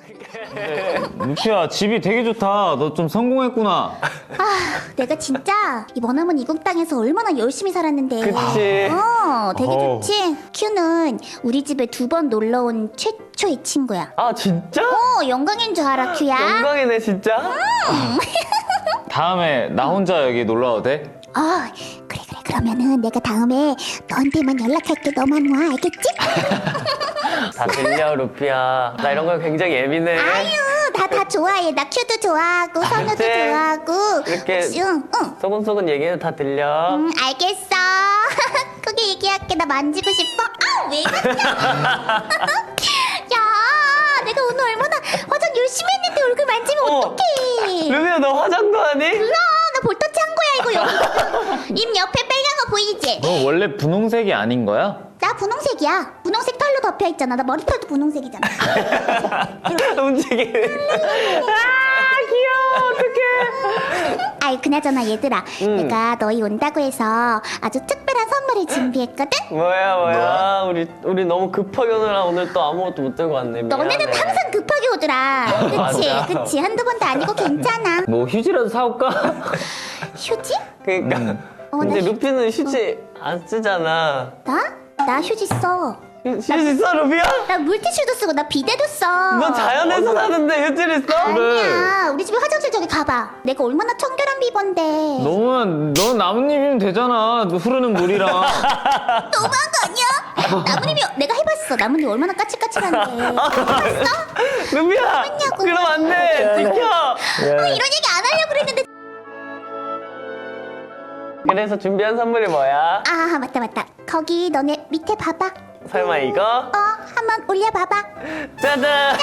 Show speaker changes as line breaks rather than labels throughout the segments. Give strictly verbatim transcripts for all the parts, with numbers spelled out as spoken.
루피야, 집이 되게 좋다. 너 좀 성공했구나.
아, 내가 진짜 이 머나먼 이국 땅에서 얼마나 열심히 살았는데.
그치.
어, 되게
어우.
좋지. 큐는 우리 집에 두 번 놀러 온 최초의 친구야.
아 진짜?
어, 영광인 줄 알아, 큐야.
영광이네 진짜.
다음에 나 혼자 여기 놀러 와도 돼?
어, 그래 그래. 그러면은 내가 다음에 너한테만 연락할게. 너만 와, 알겠지?
다 들려 루피야. 나 이런 거 굉장히 예민해.
아유, 나 다 좋아해. 나 큐도 좋아하고 선우도
그치?
좋아하고.
이렇게
응, 응.
소근소근 얘기해도 다 들려.
응, 알겠어. 크게 얘기할게. 나 만지고 싶어. 아, 왜 그러냐? 야, 내가 오늘 얼마나 화장 열심히 했는데 얼굴 만지면
어.
어떡해?
루피야 너 화장도 하니?
몰라, 나 볼터치 한 거야 이거. 여기 입 옆에 빨간 거 보이지?
너 원래 분홍색이 아닌 거야?
나 분홍색이야. 분홍색 털로 덮여 있잖아. 나 머리털도 분홍색이잖아.
움직이네. 아 귀여워 어떡해.
아이, 그나저나 얘들아,
응.
내가 너희 온다고 해서 아주 특별한 선물을 준비했거든.
뭐야 뭐야 우리 우리 너무 급하게 오느라 오늘 또 아무것도 못 들고 왔네. 미안해.
너네는 항상 급하게 오더라. 그치,
맞아.
그치. 한두 번도 아니고 괜찮아.
뭐 휴지라도 사올까?
휴지?
그러니까.
음.
어,
근데
나 휴-
루피는 휴지 안 쓰잖아.
나? 나 휴지 써.
휴- 휴지 써 루피야?
나 물티슈도 쓰고 나 비데도 써.
너 자연에서 사는데 휴지를 써?
아니야. 우리 집에 화장실 저기 가봐. 내가 얼마나 청결한 비번데.
너는, 넌 나뭇잎이면 되잖아. 너 흐르는 물이랑.
너무한 거 아니야? 나뭇잎이 내가 해봤어. 나뭇잎 얼마나 까칠까칠한데. 해봤어?
루피야
했냐고.
그럼 안돼 지켜.
어, 이런 얘기 안 하려고 그랬는데.
그래서 준비한 선물이 뭐야?
아, 맞다 맞다. 거기 너네 밑에 봐봐.
설마 이거?
어, 한번 올려봐봐.
짜잔.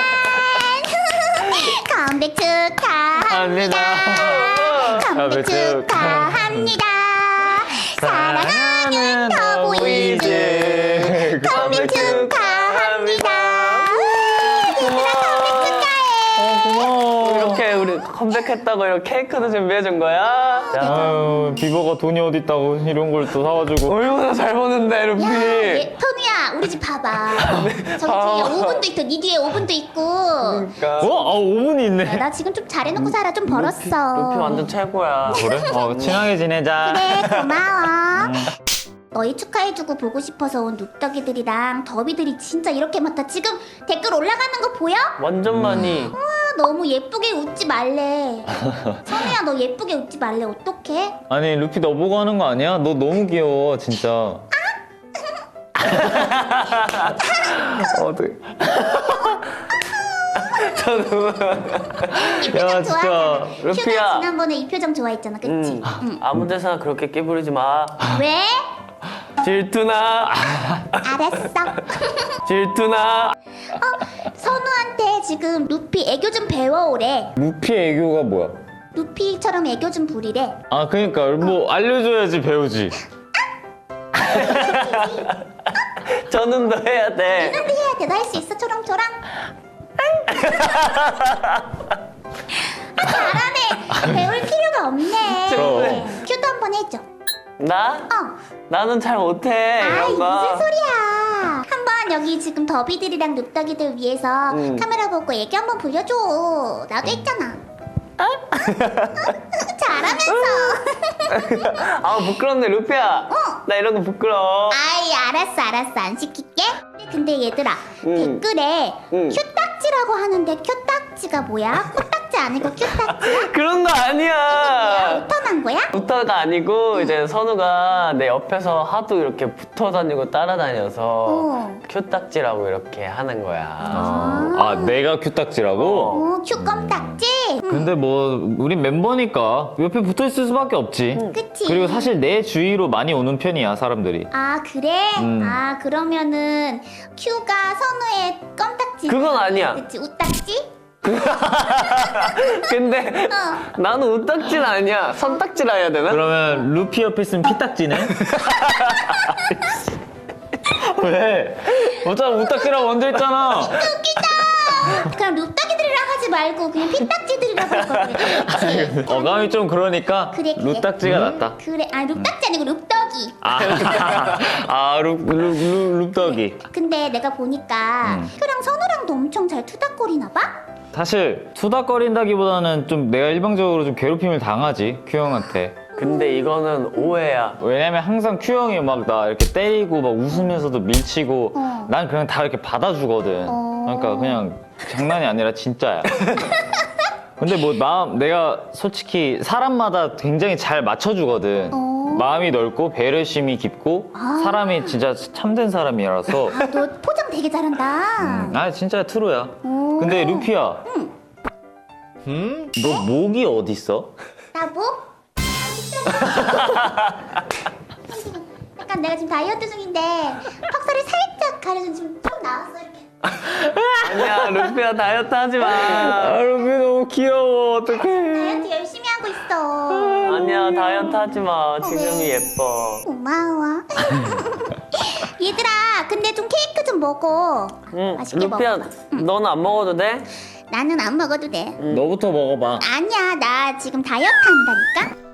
컴백 축하합니다. 컴백 축하합니다. 사랑하는 더보이즈 컴백 축하합니다. 얘들아, 컴백 축하해.
고마워.
이렇게 우리 컴백했다고 이렇게 케이크도 준비해준 거야? 자,
아유, 비버가 돈이 어딨다고 이런 걸 또 사와주고.
얼마나 잘 보는데 루피.
야, 얘, 터누야, 우리 집 봐봐. 저기 뒤에 오븐도 있어. 네 뒤에 오븐도 있고.
그러니까.
어? 아, 오븐이 있네.
나 지금 좀 잘해놓고 살아. 좀 벌었어.
루피 완전 최고야.
그래? 어, 친하게 지내자.
그래, 고마워. 너희 축하해주고 보고 싶어서 온 눕더기들이랑 더비들이 진짜 이렇게 많다. 지금 댓글 올라가는 거 보여?
완전 많이.
아, 너무 예쁘게 웃지 말래. 선우야, 너 예쁘게 웃지 말래. 어떡해?
아니, 루피 너 보고 하는 거 아니야? 너 너무 귀여워, 진짜.
어떻게? 저도.
이 표정
야, 진짜.
좋아하잖아.
루피야.
큐가 지난번에 이 표정 좋아했잖아. 그치?
음,
응.
아무 데서나 그렇게 끼부리지 마.
왜?
질투나.
알았어.
질투나.
어, 선우한테 지금 루피 애교 좀 배워오래.
루피 애교가 뭐야?
루피처럼 애교 좀 부리래.
아, 그러니까 뭐 알려줘야지 배우지.
저는 더 해야 돼.
근데 해야 돼. 너 할 수 있어. 초롱초롱. 아, 잘하네. 배울 필요가 없네.
그럼.
큐도 한번 해줘.
나?
어.
나는 잘 못해.
아이,
이런 거.
무슨 소리야. 한번 여기 지금 더비들이랑 눕더기들 위해서
음.
카메라 보고 얘기 한번 불려줘. 나도 했잖아. 잘하면서.
아 부끄럽네 루피야.
어.
나 이런 거 부끄러워.
아이, 알았어 알았어. 안 시킬게. 근데 얘들아,
음.
댓글에
음.
큐딱지라고 하는데 큐딱지가 뭐야? 코딱지 아니고 큐딱지야?
그런 거
뭐야?
아니야.
우턴한 거야?
붙어가 아니고 이제 선우가 내 옆에서 하도 이렇게 붙어 다니고 따라다녀서
어.
큐딱지라고 이렇게 하는 거야.
아, 아 내가 큐딱지라고?
어, 큐 껌딱지? 응.
근데 뭐 우린 mem버니까 옆에 붙어있을 수밖에 없지.
그치.
그리고 사실 내 주위로 많이 오는 편이야, 사람들이.
아, 그래?
음.
아, 그러면은 큐가 선우의 껌딱지.
그건 아니야.
그치, 우딱지?
근데
어.
나는 우딱지는 아니야. 선딱지라 해야 되나?
그러면 루피 옆에 있으면 피딱지네? 왜? 어차피 우딱지라고 먼저 했잖아.
웃기다. 그럼 룩딱이들이랑 하지 말고 그냥 피딱지들이라고 할 걸. 그래. 그치?
어감이 좀 그러니까
그래, 그래.
루딱지가 낫다.
그래, 아, 룩딱지 아니고 룩떡이. 룹덕이.
아, 아 룹, 룹, 룹, 룹덕이.
근데 내가 보니까
음.
큐랑 선우랑도 엄청 잘 투닥거리나 봐?
사실 투닥거린다기보다는 좀 내가 일방적으로 좀 괴롭힘을 당하지 큐 형한테.
근데 이거는 오해야.
왜냐면 항상 큐 형이 막 나 이렇게 때리고 막 웃으면서도 밀치고
어.
난 그냥 다 이렇게 받아주거든.
어.
그러니까 그냥 장난이 아니라 진짜야. 근데 뭐 마음 내가 솔직히 사람마다 굉장히 잘 맞춰주거든.
어.
마음이 넓고 배려심이 깊고
아.
사람이 진짜 참된 사람이라서.
아, 너 포장 되게 잘한다.
음, 아 진짜 트루야.
오.
근데 루피야,
응.
음? 너 목이 어디 있어?
나 뭐? 약간 내가 지금 다이어트 중인데 턱살이 살짝 가려서 지금 좀 나왔어 이렇게.
아니야, 루피야 다이어트 하지 마.
아 루피 너무 귀여워. 어떡해.
다이어트 열심히 하고 있어.
아니야, 다이어트 하지 마. 지금이 예뻐.
고마워. 얘들아, 근데 좀 케이크 좀 먹어.
응,
맛있게
루피야,
먹어.
너는 안 먹어도 돼?
나는 안 먹어도 돼.
너부터 먹어봐.
아니야, 나 지금 다이어트 한다니까.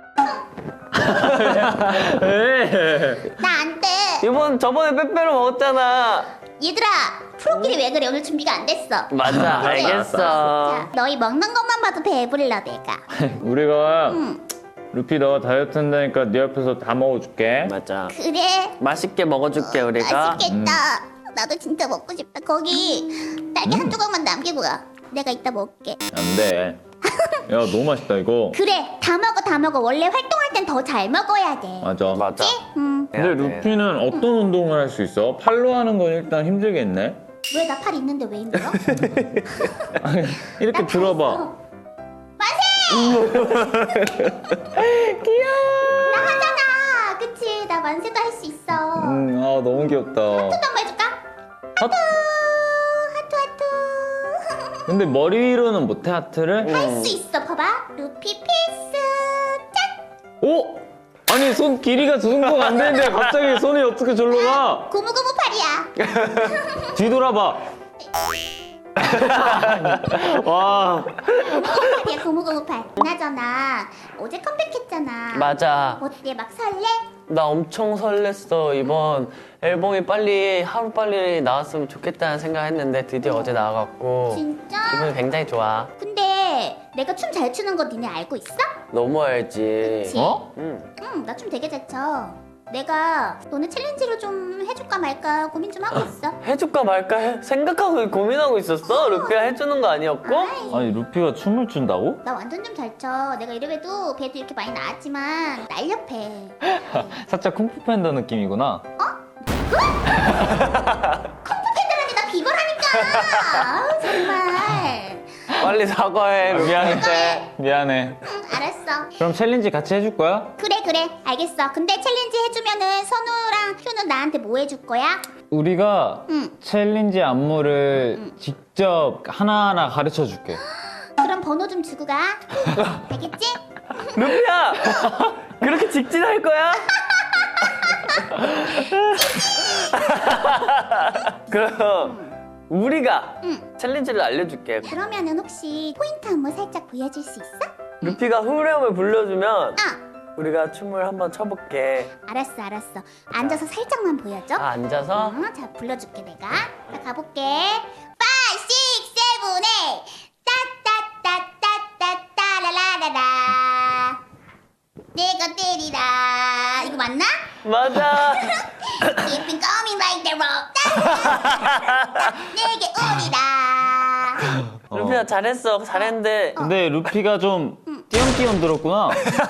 나 안 돼.
이번 저번에 빼빼로 먹었잖아.
얘들아, 프로끼리 왜 그래? 오늘 준비가 안 됐어.
맞아, 알겠어.
자, 너희 먹는 것만 봐도 배불러 내가.
우리가
응.
루피 너가 다이어트 한다니까 네 옆에서 다 먹어줄게.
맞아.
그래.
맛있게 먹어줄게, 우리가.
맛있겠다. 나도 진짜 먹고 싶다. 거기 딸기 한 조각만 남기고 가. 내가 이따 먹을게.
안 돼. 야 너무 맛있다 이거.
그래, 다 먹어, 다 먹어. 원래 활동할 땐 더 잘 먹어야 돼.
맞아.
맞아.
응.
근데 루피는 어떤 운동을 할 수 있어? 팔로 하는 건 일단 힘들겠네.
왜 나 팔 있는데 왜 힘들어?
아니, 이렇게
나
들어봐.
있어. 만세! 귀여워. 나 하잖아. 그치? 나 만세도 할 수 있어.
음, 아 너무 귀엽다.
하트도 한번 해줄까?
하...
하트 하트.
근데 머리 위로는 못해 하트를?
할 수 있어. 봐봐. 루피 필수. 짠.
오? 아니 손 길이가 저 정도가 안 되는데 갑자기 손이 어떻게 절로 가?
고무고무 팔이야.
뒤돌아봐. 와.
고무고무팔이야. 고무고무팔. 그나저나 어제 컴백했잖아.
맞아.
어때? 막 설레?
나 엄청 설렜어. 이번 앨범이 빨리 하루 빨리 나왔으면 좋겠다는 생각했는데 드디어 어제 나와갖고
진짜?
기분이 굉장히 좋아.
근데 내가 춤 잘 추는 거 니네 알고 있어?
너무 알지.
그치?
어?
응.
응, 나 춤 되게 잘 춰. 내가 너네 챌린지를 좀 해줄까 말까 고민 좀 하고 있어.
해줄까 말까 해, 생각하고 고민하고 있었어? 루피가 해주는 거 아니었고?
아이,
아니 루피가 춤을 춘다고?
나 완전 좀 잘 춰. 내가 이래봬도 배도 이렇게 많이 나왔지만 날렵해.
살짝 쿵푸 팬더 느낌이구나.
컴퓨터들한테 나 비거라니까. 아우, 정말.
빨리 사과해.
아, 미안해.
루피한테.
미안해.
응, 알았어.
그럼 챌린지 같이 해줄 거야?
그래 그래 알겠어. 근데 챌린지 해주면은 선우랑 휴는 나한테 뭐 해줄 거야?
우리가
응.
챌린지 안무를 직접 하나하나 가르쳐 줄게.
그럼 번호 좀 주고 가. 알겠지?
루피야! 그렇게 직진할 거야? 그럼 우리가
응.
챌린지를 알려줄게.
그러면은 혹시 포인트 안무 살짝 보여줄 수 있어?
루피가 후렴을 불러주면
아
우리가 춤을 한번 춰볼게.
알았어 알았어. 앉아서 살짝만 보여줘.
아, 앉아서?
응, 자 불러줄게 내가. 자 가볼게. five, six, seven, eight. 따따따따따따라라라라. 내가 때리라. 이거 맞나?
맞아.
Keep it coming like the rock. 내게 오리라.
루피야 잘했어. 잘했는데
근데 루피가 좀 띄엄띄엄 들었구나.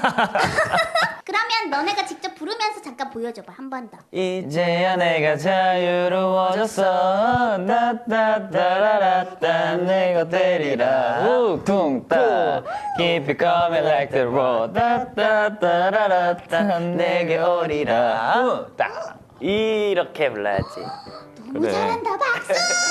그러면 너네가 직접 부르면서 잠깐 보여줘봐 한 번 더.
이제야 내가 자유로워졌어.
따따따라라따 내가 때리라 욱퉁따 Keep it coming like the road 따따따라라따 내게 오리라 욱따.
이렇게 불러야지.
너무
그래.
잘한다 박수.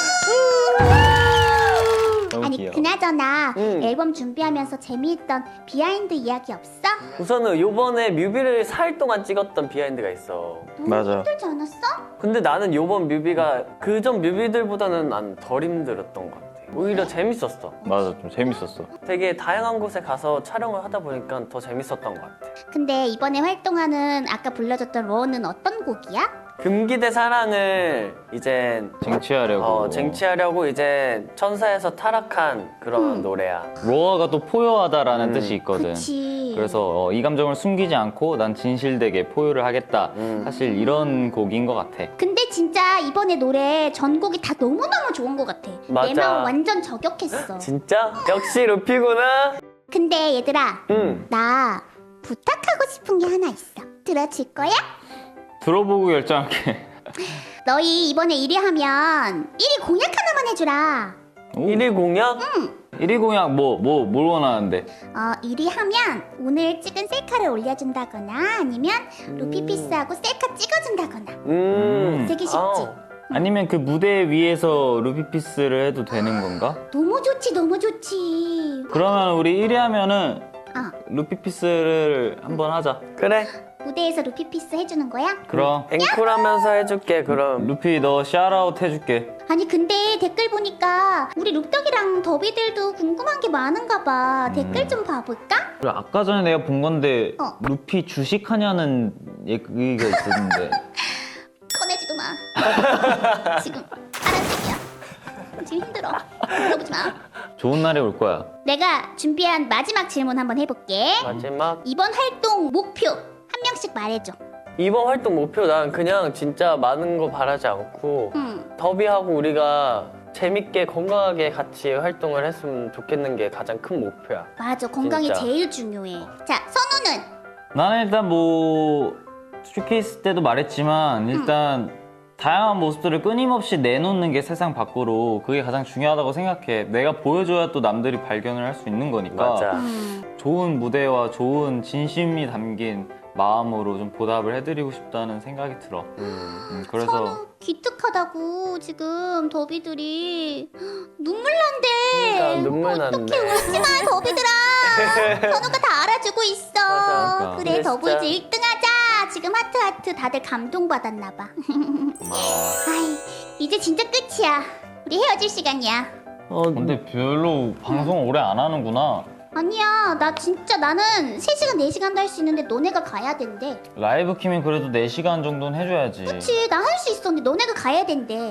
너무
아니
귀여워.
그나저나
응.
앨범 준비하면서 재미있던 비하인드 이야기 없어?
우선은 요번에 뮤비를 사 일 동안 찍었던 비하인드가 있어.
너무
맞아.
힘들지 않았어?
근데 나는 요번 뮤비가 그전 뮤비들보다는 난 덜 힘들었던 것 같아. 오히려 재밌었어.
맞아, 좀 재밌었어.
되게 다양한 곳에 가서 촬영을 하다 보니까 더 재밌었던 것 같아.
근데 이번에 활동하는 아까 불러줬던 로어는 어떤 곡이야?
금기대 사랑을 이제
쟁취하려고.
어, 쟁취하려고 이제 천사에서 타락한 그런 노래야.
로어가 또 포효하다라는
음.
뜻이 있거든.
그치.
그래서 어, 이 감정을 숨기지 않고 난 진실되게 포효를 하겠다.
음.
사실 이런 곡인 것 같아.
근데 진짜 이번에 노래 전곡이 다 너무너무 좋은 것 같아. 내
맞아.
마음 완전 저격했어.
진짜? 역시 루피구나.
근데 얘들아,
응.
나 부탁하고 싶은 게 하나 있어. 들어줄 거야?
들어보고 결정할게.
너희 이번에 일 위 하면 일 위 공약 하나만 해주라.
오.
일 위 공약?
일 위 공약 뭐, 뭐, 뭘 원하는데?
어, 일 위 하면 오늘 찍은 셀카를 올려준다거나 아니면 루피피스하고 셀카 찍어준다거나.
음.
되게 쉽지?
어.
아니면 그 무대 위에서 루피피스를 해도 되는 건가?
너무 좋지, 너무 좋지.
그러면 우리 일 위 하면은
어,
루피피스를 한번 하자.
그래.
무대에서 루피피스 해주는 거야?
그럼.
앵콜 하면서 해줄게, 그럼.
루피 너 샤라웃 해줄게.
아니 근데 댓글 보니까 우리 룩덕이랑 더비들도 궁금한 게 많은가 봐. 댓글 좀 봐볼까?
그리고 아까 전에 내가 본 건데
어.
루피 주식하냐는 얘기가 있었는데
꺼내지도 마. 지금 파란색이야. 지금 힘들어. 물어보지 마.
좋은 날이 올 거야.
내가 준비한 마지막 질문 한번 해볼게.
마지막.
이번 활동 목표 한 명씩 말해줘.
이번 활동 목표 난 그냥 진짜 많은 거 바라지 않고
응.
더비하고 우리가 재밌게 건강하게 같이 활동을 했으면 좋겠는 게 가장 큰 목표야.
맞아, 건강이
진짜.
제일 중요해. 자, 선우는?
나는 일단 뭐 쇼케이스 때도 말했지만 일단 다양한 모습들을 끊임없이 내놓는 게 세상 밖으로 그게 가장 중요하다고 생각해. 내가 보여줘야 또 남들이 발견을 할 수 있는 거니까.
맞아.
음.
좋은 무대와 좋은 진심이 담긴 마음으로 좀 보답을 해드리고 싶다는 생각이 들어.
음.
음, 그래서
선우 기특하다고 지금 더비들이 눈물 난대.
그러니까 눈물
어떻게
나는데.
울지 마, 더비들아. 선우가 다 알아주고 있어.
맞아.
그러니까.
그래,
근데
더보이즈
진짜-
일 등 하자. 지금 하트 하트 다들 감동받았나 봐. 아이, 이제 진짜 끝이야. 우리 헤어질 시간이야.
어,
근데 별로 방송 오래 안 하는구나.
아니야, 나 진짜 나는 세 시간 네 시간도 할 수 있는데 너네가 가야 된대.
라이브 키면 그래도 네 시간 정도는 해줘야지.
그치, 나 할 수 있었는데 너네가 가야 된대.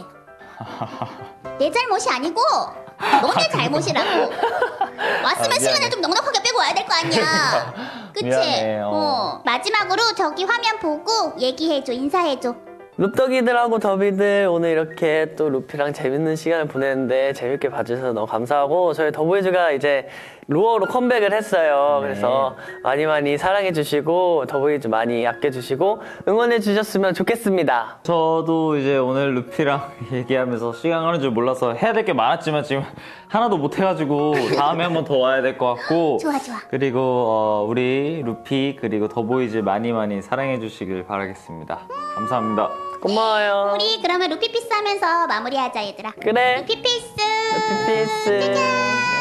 내 잘못이 아니고 너네 잘못이라고. 왔으면
아, 미안해.
시간을 좀 넉넉하게 빼고 와야 될 거 아니야. 그치?
미안해, 어.
어. 마지막으로 저기 화면 보고 얘기해줘, 인사해줘.
룹덕이들하고 더비들 오늘 이렇게 또 루피랑 재밌는 시간을 보냈는데 재밌게 봐주셔서 너무 감사하고 저희 더보이즈가 이제 루어로 컴백을 했어요.
네.
그래서 많이 많이 사랑해주시고 더보이즈 많이 아껴주시고 응원해주셨으면 좋겠습니다.
저도 이제 오늘 루피랑 얘기하면서 시간 가는 줄 몰라서 해야 될 게 많았지만 지금 하나도 못 해가지고 다음에 한번 더 와야 될 것 같고.
좋아, 좋아.
그리고 어, 우리 루피 그리고 더보이즈 많이 많이 사랑해 주시길 바라겠습니다. 감사합니다.
고마워요.
우리 그러면 루피피스 하면서 마무리하자, 얘들아.
그래.
루피피스.
루피피스.